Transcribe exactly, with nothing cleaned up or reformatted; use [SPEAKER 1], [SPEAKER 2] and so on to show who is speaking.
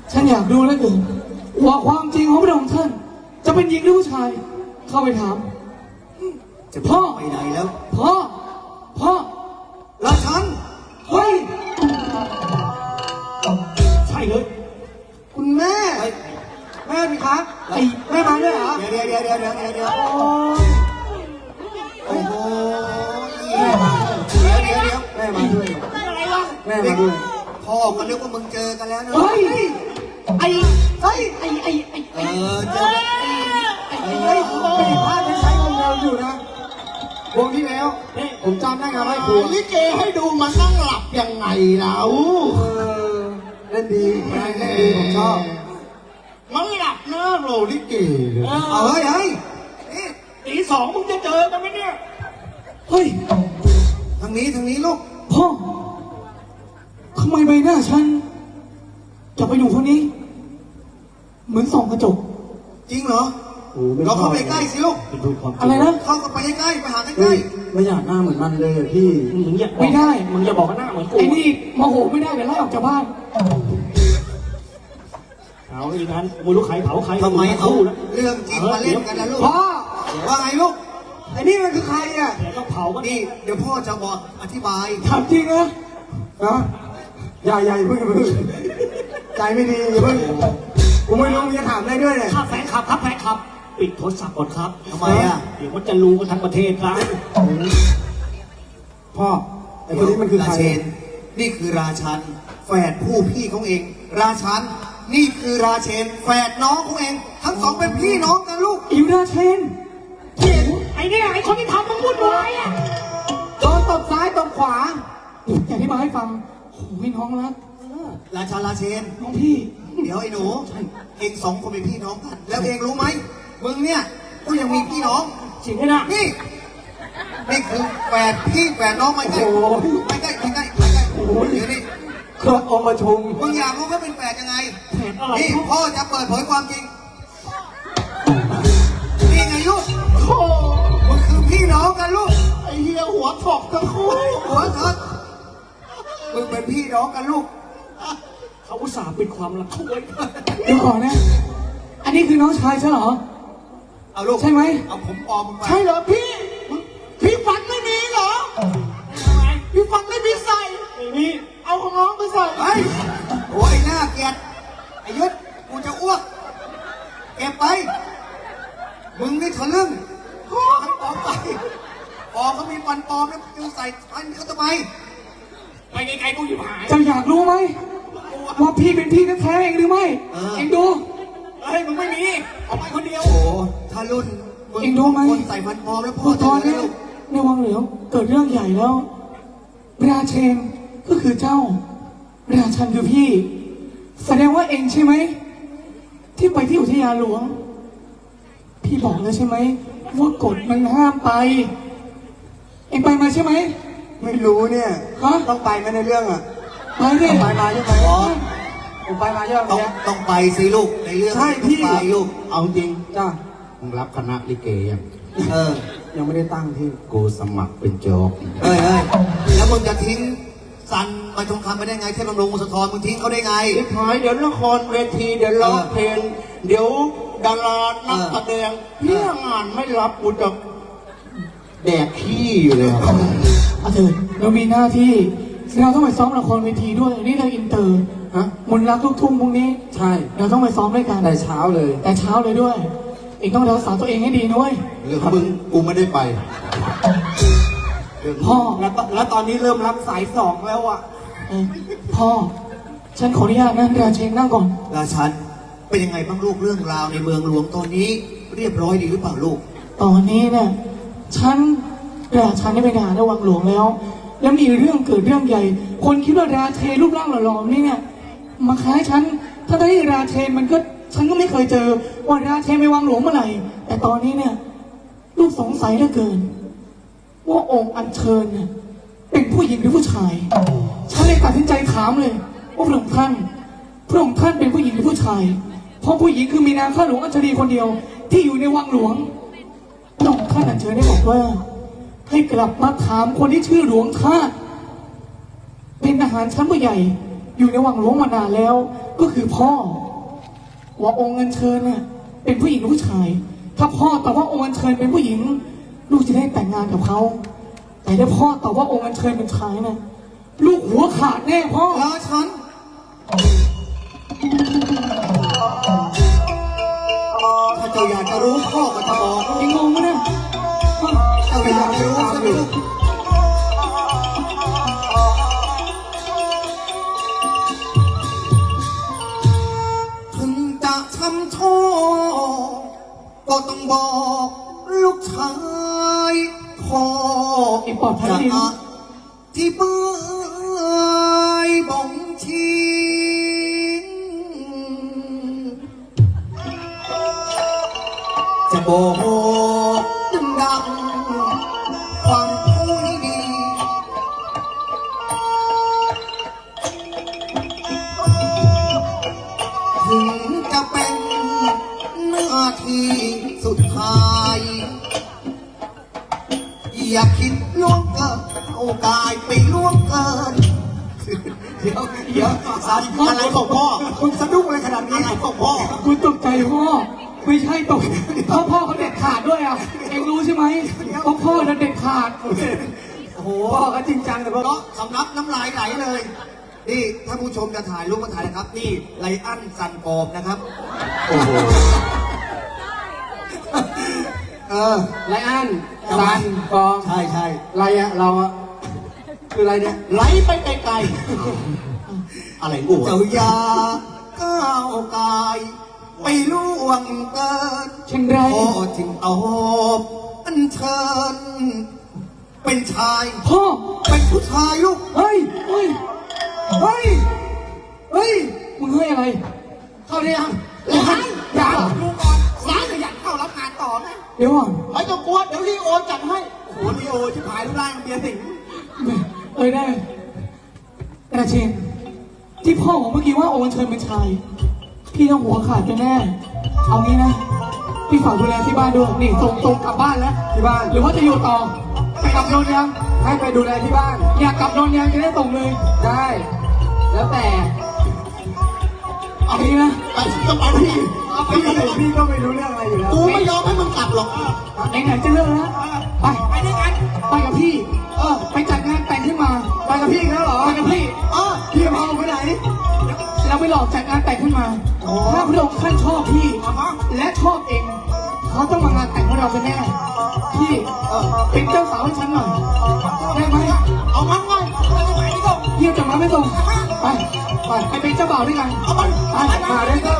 [SPEAKER 1] ฉันอยากดูแล้วเกินว่าความจริงของพระองค์ท่านจะเป็นหญิงหรือผู้ชายเข้าไปถาม
[SPEAKER 2] จะพ่อไปไหนแล้ว
[SPEAKER 1] พ่อพ่อ
[SPEAKER 2] ราชัน
[SPEAKER 1] เฮ้ยใช่เลย
[SPEAKER 2] คุณแม่แม่พี่ครับไอ้แม่มาด้วยเหรอเดี๋ยวเดี๋ยวเดี๋ยวเดี๋ยวเดี๋ยวเดี๋ยวโอ้โหแม่มาเดี๋ยวเดี๋ยวเดี๋ยวแม่มาด้วย
[SPEAKER 1] อะไรวะ
[SPEAKER 2] แม่มาด้วยพ่อก็นึกว่ามึงเจอกันแล้วนะ
[SPEAKER 1] เฮ้ยไอ้ไอ้ไอ้ไอ้ไอ้
[SPEAKER 2] เออเจอไอ้ไอ้ไม่ได้พลาดใช้ของเราอยู่นะวงที่แล้วผมจำได้ครับให้ครู
[SPEAKER 3] ลิเกให้ดูมันนั่งหลับยังไงเรา
[SPEAKER 2] เล่นดีเล่นดีผมชอบ
[SPEAKER 3] มันหลับเนอะโรลิเก
[SPEAKER 2] เอาเฮ้ยเฮ้ย
[SPEAKER 1] ตีสองมึงจะเจอกันไหมเนี่ยเฮ้ย
[SPEAKER 2] ทางนี้ทางนี้ลูก
[SPEAKER 1] พ่อทำไมใบหน้าฉันจะไปอยู่คนนี้เหมือนส่องกระจก
[SPEAKER 2] จริงเหรอเราเข้าไปใกล้สิลูก
[SPEAKER 1] อะไรนะ
[SPEAKER 2] เข้าไปใกล้ไปหาใกล้
[SPEAKER 3] ไม่อยากหน้าเหมือนมันเลยพี่
[SPEAKER 1] มึงอยากไม่ได้มึงจะบอกว่าหน้าเหมือนกูไอ้นี่โมโหไม่ได้เดี๋ยวไล่ออกจากบ้านเอาอีกนั้นมูลูกไข่เผาไข่
[SPEAKER 2] ทำไมเอาเรื่องจริงมาเล่นกันนะลูก
[SPEAKER 1] พ่อ
[SPEAKER 2] ว่าไงลูกไอ้นี่มันคือใครอ่ะ
[SPEAKER 1] เดี๋ยวต้องเผากัน
[SPEAKER 2] นี่เดี๋ยวพ่อจะบอกอธิบาย
[SPEAKER 1] ถามจริงนะ
[SPEAKER 2] นะใหญ่ใหญ่พึ่งพึ่งใจไม่ดีอย่าพึ่งกูไม่รู้จะถามได้ด้วยเลย
[SPEAKER 1] ข้าแฟนขับครับแฟนขับปิดโทรศัพท์ก่อนครับ
[SPEAKER 2] ทำไมอ่ะ
[SPEAKER 1] เดี๋ยวมันจะรู้กันทั้งประเทศครับ
[SPEAKER 2] พ่อไอ้คนนี้มันคือใครนี่คือราชันแฝดผู้พี่ของเองราชันนี่คือราเชนแฝดน้องของเองทั้งสองเป็นพี่น้องกันลูก
[SPEAKER 1] อิวราเชนไอ้เนี่ยไอ้คนที่ทำมันวุ่นวายอ่ะโดนตบซ้ายตบขวาอย่าที่มาให้ฟังโอ้ยน้องรัก
[SPEAKER 2] ราชาราเชน
[SPEAKER 1] น้องพี่
[SPEAKER 2] เดี๋ยวไอ้หนูเองสองคนเป็นพี่น้องกันแล้วเองรู้ไหมมึงเนี่ยก็ยังมีพี่น้อง
[SPEAKER 1] จริงไหมนะ
[SPEAKER 2] นี่นี่คือแฝดพี่แฝดน้องไม่ใกล้ไม่ใกล้ไม่ใกล้ไม่ใกล้เดี๋ยวนี้
[SPEAKER 1] ครบองค์ประชุม
[SPEAKER 2] มึงอยากรู้ว่าเป็นแฝดยังไงนี่พ่อจะเปิดเผยความจริงนี่ไงลูกมันคือพี่น้องกันลูก
[SPEAKER 3] ไอ้เหี้ยหัวถกทั้งคู่
[SPEAKER 2] หัวถกมึงเป็นพี่น้องกันลูก
[SPEAKER 1] เขาอุตส่าห์ปิดความลับเขาไว้เดี๋ยวก่อนนะอันนี้คือน้องชายใช่เหรอ
[SPEAKER 2] เอาลูก
[SPEAKER 1] ใช่ไหม
[SPEAKER 2] เอาผมปลอมมึงไป
[SPEAKER 3] ใช่เหรอพี่พี่ฟันไม่มีเหรอพี่ฟันไม่มีใส่
[SPEAKER 1] ไม่มี
[SPEAKER 3] เอาของน้องไปใส่
[SPEAKER 2] ไอ้โอ้ยหน้าเกลียดไอ้ยุทธกูจะอ้วกเก็บไปมึงนี่ทะลึ่งปลอมไปปลอมเขามีฟันปลอมแล้วจึงใส่ฟันเขาทำไม
[SPEAKER 1] ไปไกลๆกูหยิบหายจะอยากรู้ไหมว่าพี่เป็นพี่แท้ๆเองหรือไม่เองดูเฮ้ยมึงไม่มีเอาไปคนเดียว
[SPEAKER 2] โอ้ถ้ารุ่น
[SPEAKER 1] เองดูไหม
[SPEAKER 2] คนใส่ฟันปลอมแล้วพ่อ
[SPEAKER 1] ตอนนี้ในวังเหลียวเกิดเรื่องใหญ่แล้วราเชนก็คือเจ้าราชันคือพี่แสดงว่าเองใช่ไหมที่ไปที่อุทยานหลวงพี่บอกแล้วใช่ไหมว่ากฎมันห้ามไปเองไปมาใช่ไหม
[SPEAKER 2] ไม่รู้เนี่ย
[SPEAKER 1] ฮะ
[SPEAKER 2] ต้องไปไหมในเรื่องอ่ะ
[SPEAKER 1] ไปดิ
[SPEAKER 2] ไปมาใช่ไหม
[SPEAKER 1] ผมไปมาใช่ไหม
[SPEAKER 2] ต้องต้องไปสิลูกในเรื่อง
[SPEAKER 3] ใช่พี่
[SPEAKER 2] ไปลูก
[SPEAKER 3] เอาจริง
[SPEAKER 2] จ้า
[SPEAKER 3] มึงรับคณะลิเกยัง
[SPEAKER 2] เออยังไม่ได้ตั้งที่
[SPEAKER 3] กูสมัครเป็นโจ๊ก
[SPEAKER 2] เฮ้ยเฮ้ยแล้วมึงจะทิ้งซันมาทองคำไปได้ไงเทพบำรุงสะทอนมึงทิ้งเขาได้ไง
[SPEAKER 3] ไอ้พายเดี๋ยวละครเวทีเดี๋ยวร้องเพลงเดี๋ยวดารานักแสดงเพื่องานไม่รับกูจะแดกขี้อยู่เลย
[SPEAKER 1] อาเถิดเรามีหน้าที่เราต้องไปซ้อมละครเวทีด้วยนี่เราอินเตอร์ฮะมนรักลูกทุ่งพวกนี้
[SPEAKER 3] ใช่
[SPEAKER 1] เราต้องไปซ้อมด้วยกัน
[SPEAKER 3] แต่เช้าเลย
[SPEAKER 1] แต่เช้าเลยด้วยเองต้องรักษาตัวเองให้ดีนะเว้ย
[SPEAKER 3] เรื่องมึงกูไม่ได้ไป
[SPEAKER 1] พ่อ
[SPEAKER 3] แล้วแล้วตอนนี้เริ่มรับสายสองแล้วอ่ะ
[SPEAKER 1] พ่อฉันขออนุญาตนะราเชนนั่งก่อน
[SPEAKER 2] ราชันเป็นยังไงบ้างลูกเรื่องราวในเมืองหลวงตอนนี้เรียบร้อยดีหรือเปล่าลูก
[SPEAKER 1] ตอนนี้เนี่ยฉันราชันได้ไปทหารในวังหลวงแล้วแล้วมีเรื่องเกิดเรื่องใหญ่คนคิดว่าราเชนรูปร่างหล่อๆนี่เนี่ยมาคล้ายฉันถ้าได้ราเชนมันก็ฉันก็ไม่เคยเจอว่าราเชนไปวังหลวงเมื่อไหร่แต่ตอนนี้เนี่ยลูกสงสัยเหลือเกินว่าองค์อัญเชิญเนี่ยเป็นผู้หญิงหรือผู้ชายฉันเลยตัดสินใจถามเลยว่าพระองค์ท่านพระองค์ท่านเป็นผู้หญิงหรือผู้ชายเพราะผู้หญิงคือมีนางข้าหลวงอัญชลีคนเดียวที่อยู่ในวังหลวงพระองค์ท่านอัญเชิญได้บอกว่าให้กลับมาถามคนที่ชื่อหลวงทาสเป็นทหารชั้นผู้ใหญ่อยู่ในวังหลวงมานานแล้วก็คือพ่อว่าองค์อัญเชิญเนี่ยเป็นผู้หญิงหรือผู้ชาย ถ้าพ่อตอบว่าองค์อัญเชิญเป็นผู้หญิง ลูกจะได้แต่งงานกับเขาแต่ถ้าพ่อตอบว่าองค์อัญเชิญเป็นชายนะลูกหัวขาดแน่พ่อ
[SPEAKER 2] ราชันถ้าเจ้าอยากจะรู้พ่อก็จะบอก
[SPEAKER 1] เองงงไหมเนี่ย
[SPEAKER 2] เจ้าอยากจะรู้ใช่ไหมลูกถึงจะทำโทษก็ต้องบอกลูกชายพ่อ
[SPEAKER 1] ไอ้ปอดพัน
[SPEAKER 2] จะ
[SPEAKER 1] ดิน
[SPEAKER 2] ที่เบื่อบ่งชี้จะบอกดังๆฟังผู้ให้ดี ถึงจะเป็นหน้าที่สุดท้าย อย่าคิดล่วงเกินโอกาสไปล่วงเกิน เดี๋ยวเดี๋ยวสารอะไรของพ่อคุณสะดุ้งอะไรขนาดนี้อะไรของพ่อ
[SPEAKER 1] กูตกใจพ่อไม่ใช่ตกพ่อพ่อเขาเด็ดขาดด้วยอ่ะเองรู้ใช่ไหมเพราะพ่อน่ะเด็ดขาด
[SPEAKER 2] โอ้โหพ่อก็จริงจังแต่พ่อสำนักน้ำลายไหลเลย นี่ถ้าผู้ชมจะถ่ายรูปมาถ่ายนะครับ นี่ไลอันซันปอบนะครับ
[SPEAKER 3] โอ้โห
[SPEAKER 2] เออ
[SPEAKER 3] ไรอัน
[SPEAKER 2] ทำไม
[SPEAKER 3] ซันกอง
[SPEAKER 2] ใช่ใช่
[SPEAKER 3] ไรอะเราอะคืออะไรเนี่ยไหลไปไกลๆอะไรกู
[SPEAKER 2] เจ้าอย่าก้าวกายไปล่วงเกิน
[SPEAKER 1] เช่นไร
[SPEAKER 2] พ่อจึงเอาอันเชิญเป็นชาย
[SPEAKER 1] พ่อ
[SPEAKER 2] เป็นผู้ชายลูก
[SPEAKER 1] เฮ้ยเฮ้ยเฮ้ยเฮ้ยมึงเฮ้ยอะไร
[SPEAKER 2] เข้าได้ยัง
[SPEAKER 1] ยังยัง
[SPEAKER 2] ดูก่อนสายจะอยากเข้ารับงานต่อไหม
[SPEAKER 1] เดี๋ยวก่อน
[SPEAKER 3] ไม่ต้องกลัวเดี๋ยวรีโอจัดให้
[SPEAKER 2] โอ้โหลีโอที่พายรูปร่างเบียร์สิงห์
[SPEAKER 1] เอ้ยได้กระเชนที่พ่อของเมื่อกี้ว่าโอนเชิญเป็นชาย พี่ต้องหัวขาดกันแน่ เอางี้นะ พี่ฝากดูแลที่บ้านด้วยนี่ส่งส่งกลับบ้านแล้ว
[SPEAKER 3] ที่บ้าน
[SPEAKER 1] หรือว่าจะอยู่ต่อ ไปกลับนนท์ยัง
[SPEAKER 3] ให้ไปดูแลที่บ้าน
[SPEAKER 1] อยากกลับนนท์ยังจะได้ส่งเลย
[SPEAKER 3] ได้ แล้วแต่
[SPEAKER 1] เอางี้นะ
[SPEAKER 3] ไปจะไปพี่เอาไปเลยพี่ก็ไม่รู้เรื่องอะไรอยู่แล้วกูไม่ยอมให้มึงกลับหรอก
[SPEAKER 1] ไหนๆจะเลิกแล้วไปไปด้วยกันไปกับพี่ เออไปจัดงานแต่งขึ้นมา
[SPEAKER 3] ไปกับพี่แล้วเหรอ
[SPEAKER 1] ไปกับพี่
[SPEAKER 3] เออพี่พาไปไหน
[SPEAKER 1] เราไปหลอกจัดงานแต่งขึ้นมา
[SPEAKER 3] อ๋อ
[SPEAKER 1] ถ้าพระองค์ท่านชอบพี่ และชอบเอง เขาต้องมางานแต่งของเราเป็นแน่ พี่เออเป็นเจ้าสาวให้ฉันหน่อย ได้ไหม
[SPEAKER 3] เอามันไง
[SPEAKER 1] พี่จะมาไม่ส่งไป ไปไปเป็นเจ้าบ่าวด้วยกัน
[SPEAKER 3] เอามัน
[SPEAKER 1] ไป
[SPEAKER 3] มาได้ก็